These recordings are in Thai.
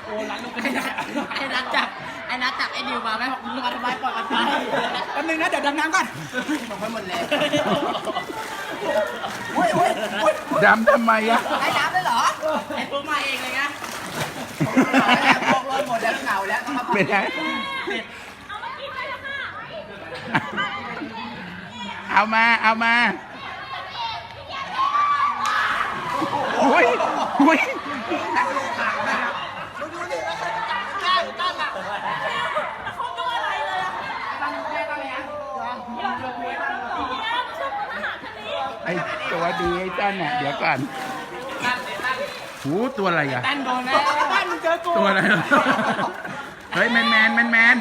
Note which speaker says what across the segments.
Speaker 1: โอ้ร้านลูกไอ้นัดจับไอ้ดิวมาไหมบอกมึงมาทำไมปล่อยกันไปแป๊บนึงนะเดี๋ยวดำน้ำก่อนบอกไปหมดแล้ว
Speaker 2: ดำทำไมอะ
Speaker 1: ไอ้ดำเลยเหรอไอ้พวกมาเองเลยนะพวกรถหมดแล้วเหงาแล้ว
Speaker 2: เป็นไงเอามาอุ้ยไอ้ตัวดีไอ้ตั้นน่ะเดี๋ยวก่อนหูตัวอะไรอ่ะ
Speaker 1: ตั้นโดนแล้วตั้นมึงเจอกู
Speaker 2: ตัวอะไรเฮ้ยแมน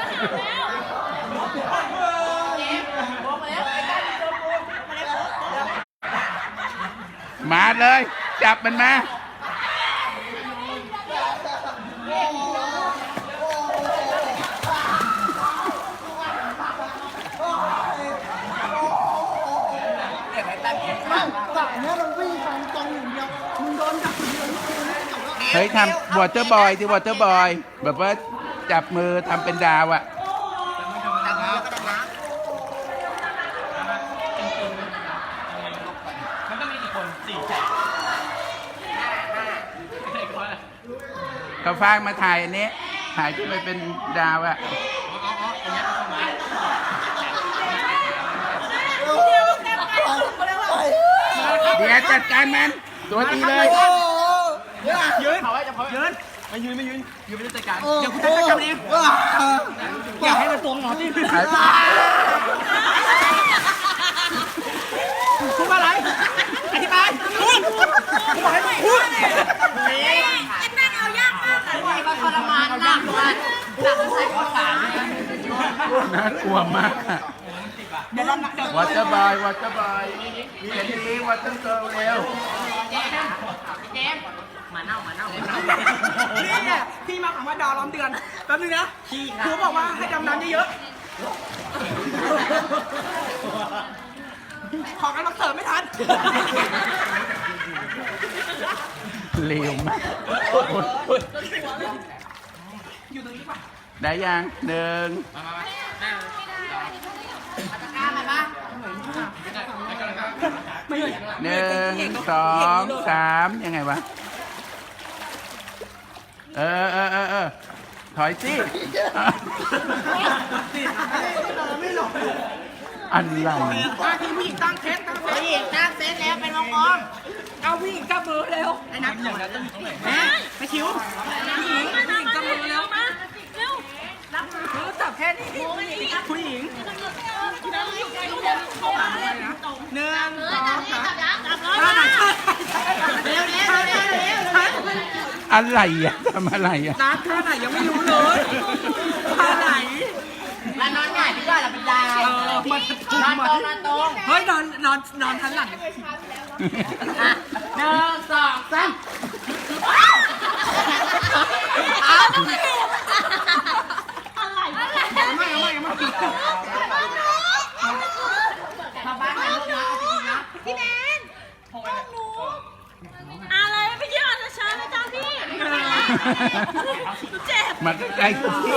Speaker 2: มาเลยจับมันมาเฮ้ยทำวอเตอร์บอยที่วอเตอร์บอยแบบว่าจับมือทำเป็นดาวอะ
Speaker 1: มันต้องมีกี่คน4 แสน
Speaker 2: เขาฟางมาถ่ายอันนี้ถ่ายขึ้นไปเป็นดาวอะเดี๋ยวจัดการมันตัวตีเลย
Speaker 1: ยืนไม่ยืนไม่ได้จัดการเดี๋ยวคุณจัดการเองอยากให้มันตรงหมอที่คุณอะไรอธิบายคุณบอกให้ไม่พูดไอ้แม่งเอายากมากเลยมันทรมานมากเลยหนักใส่ข้อขา
Speaker 2: น่ากลัวมากวอเตอร์บอยวอเตอร์บอยมีอันนี้วอเตอร์เกิร์ลเร็ว
Speaker 1: เจมมาเน่านี่เนี่ยพี่มาถามว่าดาวล้อมเดือนแป๊บนึงนะครูบอกว่าให้ดำน้ำเยอะขอกันมาเสิร์ฟไม่ทัน
Speaker 2: เร็วมาก
Speaker 1: อยู่ตรงนี้ป่ะ
Speaker 2: ได้ยังหนึ่งหนึ่งสองสามยังไงวะถอยสิอะไร
Speaker 1: ทีมผู้หญิงตั้งเซตผู้หญิงตั้งเซตแล้วเป็นวงกลมเอาผู้หญิงจับมือเร็วไอ้นักอย่างนั้นต้องอยู่ตรงไหนไปคิวผู้หญิงจับมือเร็วรับมือจับแค่นี้ผู้หญิง1 2 3
Speaker 2: อะไรอ่ะทำอะไรอ่ะ
Speaker 1: นัดท่าไหนยังไม่รู้เลยท่าไหนแล้วนอนหงายพี่ว่าเราเป็นดาวนอนตรงเฮ้ยนอนทันหลัง1 2 3เอาไม่มาบ้านไหนลูกนะเอาจริงนะ
Speaker 3: พี่แมนพวกหนูอะไรไม่คิดว่าจะช้านะจ๊ะพี่เจ็บ
Speaker 2: มันใกล้กูที่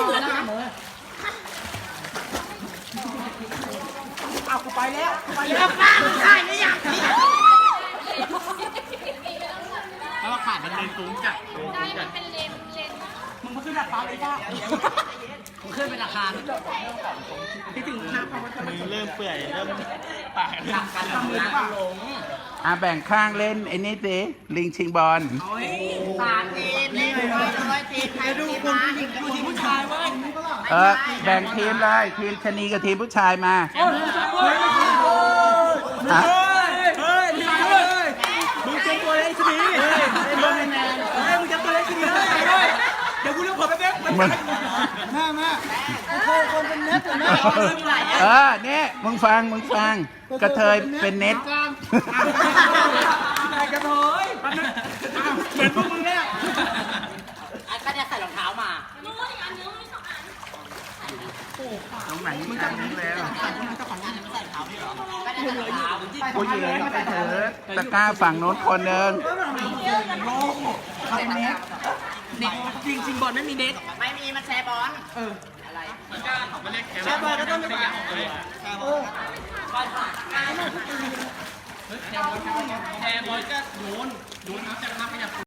Speaker 1: เอากูไปแล้วป้าได้ไม่อยากแล้วขาดเป็นเลนสูงจัด
Speaker 3: เป็นเลน
Speaker 1: มึงมาขึ้นดาดฟ้าเลยป้ามึงขึ้นเป็นอาคารที่ถึงน้ำมึงเริ่มเปื่อยเริ่มปากหนักกันหลง
Speaker 2: แบ่งข้างเล่นไอ้นี่สิลิงชิงบอล
Speaker 1: 3 ทีมเล่น100 ทีมใครดูคนผู้หญิงดูทีมผู้ชายเว้ย
Speaker 2: แบ่งทีมเลยทีมชนีกับทีมผู้ชายมา
Speaker 1: มึงเจอตัวเล็กชนีมึงจะตัวเล็กชนีเลยเดี๋ยวกูเรียกผมไปเบ๊กมาคนเป็นเน็ต
Speaker 2: เนี่ยมึงฟังกระเทยเป็นเน็ต
Speaker 1: กระเทยเหมือนพวกมึงเนี่ยก็จะใส่รองเท้ามา
Speaker 2: ตรงไหนมึงจับนี้แล้ว
Speaker 1: ผู้หญิง
Speaker 2: ไปเถอะตะกร้าฝั่งโน้นคนหนึ่ง
Speaker 1: เด็กจริงบอลไม่มีเน็ตไม่มีมันแชร์บอลอะไรแชร์บอลก็ต้องเป็นอย่างแชร์บอลแชร์บอลก็โยนน้ำจากน้ำขยับ